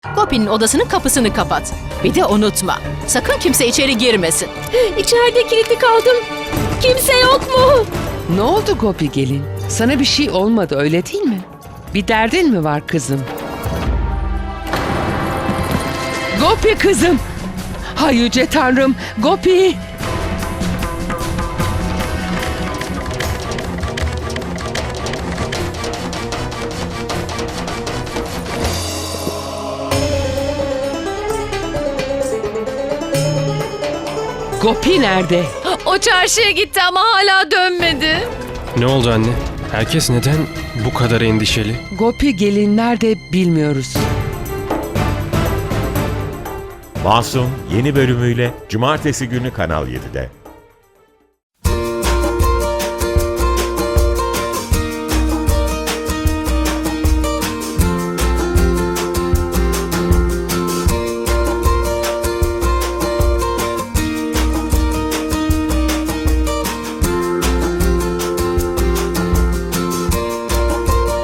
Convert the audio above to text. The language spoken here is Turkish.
Gopi'nin odasının kapısını kapat. Bir de unutma. Sakın kimse içeri girmesin. İçeride kilitli kaldım. Kimse yok mu? Ne oldu Gopi gelin? Sana bir şey olmadı öyle değil mi? Bir derdin mi var kızım? Gopi kızım! Hay yüce Tanrım! Gopi! Gopi nerede? O çarşıya gitti ama hala dönmedi. Ne oldu anne? Herkes neden bu kadar endişeli? Gopi gelin nerede bilmiyoruz. Masum yeni bölümüyle Cumartesi günü Kanal 7'de.